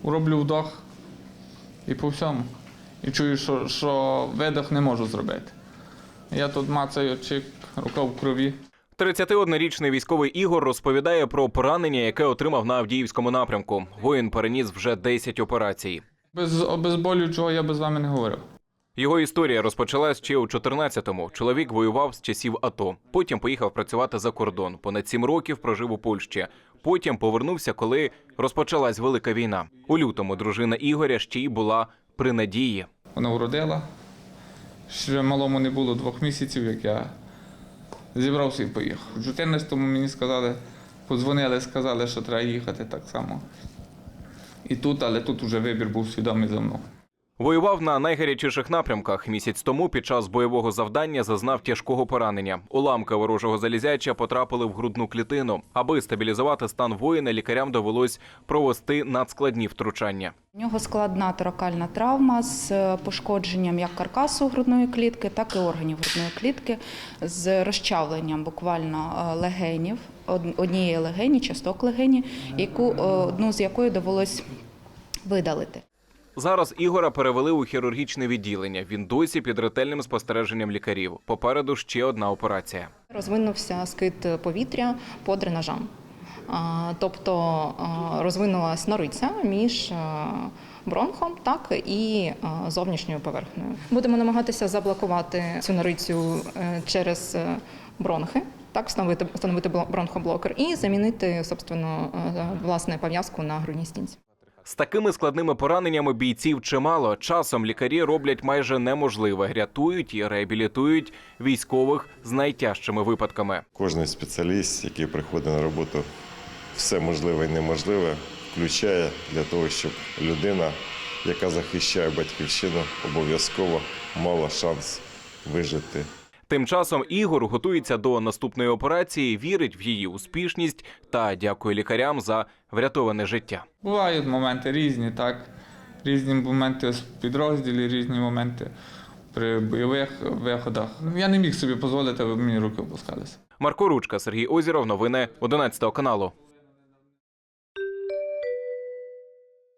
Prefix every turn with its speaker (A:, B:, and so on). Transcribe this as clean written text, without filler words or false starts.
A: роблю вдох і по всьому. І чую, що видох не можу зробити. Я тут мацаю, чик, рука в крові.
B: 31-річний військовий Ігор розповідає про поранення, яке отримав на Авдіївському напрямку. Воїн переніс вже 10 операцій.
A: Без обезболюючого я би з вами не говорив.
B: Його історія розпочалась ще у 14-му. Чоловік воював з часів АТО. Потім поїхав працювати за кордон. Понад 7 років прожив у Польщі. Потім повернувся, коли розпочалась Велика війна. У лютому дружина Ігоря ще й була при надії.
A: Вона вродила. Ще малому не було 2 місяців, як я зібрався і поїхав. У 14-му мені сказали, подзвонили, сказали, що треба їхати так само. І тут, але тут вже вибір був свідомий за мною.
B: Воював на найгарячіших напрямках. Місяць тому під час бойового завдання зазнав тяжкого поранення. Уламки ворожого залізяча потрапили в грудну клітину. Аби стабілізувати стан воїна, лікарям довелось провести надскладні втручання.
C: У нього складна торакальна травма з пошкодженням як каркасу грудної клітки, так і органів грудної клітки, з розчавленням буквально легенів, однієї легені, часток легені, одну з якої довелось видалити.
B: Зараз Ігора перевели у хірургічне відділення. Він досі під ретельним спостереженням лікарів. Попереду ще одна операція.
D: Розвинувся скид повітря по дренажам. Тобто розвинулася нориця між бронхом, так і зовнішньою поверхнею. Будемо намагатися заблокувати цю норицю через бронхи, так, встановити бронхоблокер і замінити, собственно, власне, пов'язку на грудній стінці.
B: З такими складними пораненнями бійців чимало. Часом лікарі роблять майже неможливе. Рятують і реабілітують військових з найтяжчими випадками.
E: Кожен спеціаліст, який приходить на роботу, все можливе і неможливе включає для того, щоб людина, яка захищає батьківщину, обов'язково мала шанс вижити.
B: Тим часом Ігор готується до наступної операції, вірить в її успішність та дякує лікарям за врятоване життя.
A: Бувають моменти різні, так. Різні моменти в підрозділі, різні моменти при бойових виходах. Я не міг собі дозволити, аби мені руки опускалися.
B: Марко Ручка, Сергій Озіров. Новини 11 каналу.